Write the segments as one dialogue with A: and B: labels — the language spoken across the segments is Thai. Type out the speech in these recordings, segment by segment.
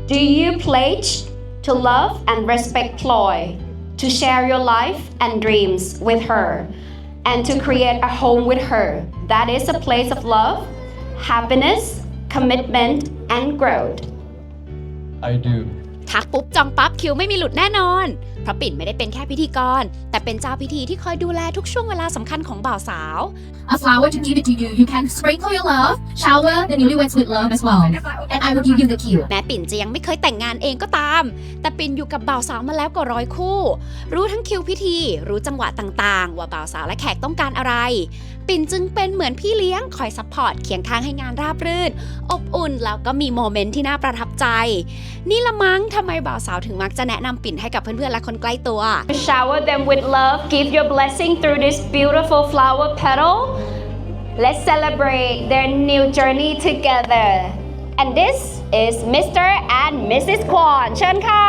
A: Do you pledge to love and respect Ploy, to share your life and dreams with her, and to create a home with her that is a place of love, happiness, commitment, and growth?
B: I do.
C: ทักปุ๊บจองปั๊บคิวไม่มีหลุดแน่นอน เพราะปิ่นไม่ได้เป็นแค่พิธีกร แต่เป็นเจ้าพิธีที่คอยดูแลทุกช่วงเวลาสำคัญของบ่าวสาว
D: A flower to give it to you. You can sprinkle your love, shower the newlyweds with love as well. And I will give you the cue.
C: แม้ปิ่นจะยังไม่เคยแต่งงานเองก็ตาม แต่ปิ่นอยู่กับบ่าวสาวมาแล้วกว่า100 คู่ รู้ทั้งคิวพิธี รู้จังหวะต่างๆ ว่าบ่าวสาวและแขกต้องการอะไร ปิ่นจึงเป็นเหมือนพี่เลี้ยงคอยซัพพอร์ตเคียงข้างให้งานราบรื่น อบอุ่นแล้วก็มีโมเมนต์ที่น่าประทับใจ นี่ละมั้งทำไมบ่าวสาวถึงมักจะแนะนำปิ่นให้กับเพื่อนๆและคนใกล้ตัว
A: Shower them with love, give your blessing through this beautiful flower petal. Let's celebrate their new journey together. And this is Mr. and Mrs. Kwon. เชิญค่ะ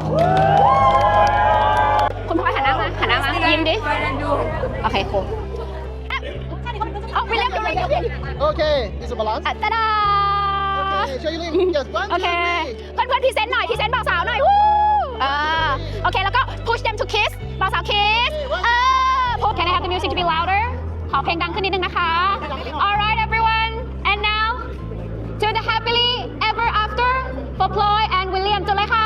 A: คุณพ่อหันหน้ามายิ้มดิ โอเคครูเอาวิลเลียมดูเลย
E: Okay, is it balance?
A: ตาดา
E: Okay, show you link. Yes, 1,
A: โอ
E: 2,
A: เค
E: 3.
A: เพื่อนๆพรีเซนต์หน่อยพรีเซนต์บ่าวสาวหน่อยวู้โอเค แล้วก็ push them to kiss บ่าวสาว kiss Can I have the music to be louder ขอเพลงดังขึ้นนิดนึงนะคะ Alright everyone and now to the happily ever after for Ploy and William จุดเลยค่ะ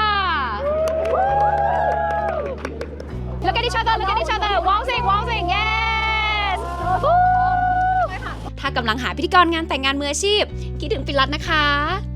A: Look at each other look at each other waltzing waltzing yes
C: ถ้ากำลังหาพิธีกรงานแต่งงานมืออาชีพคิดถึงปิ่นรัตน์นะคะ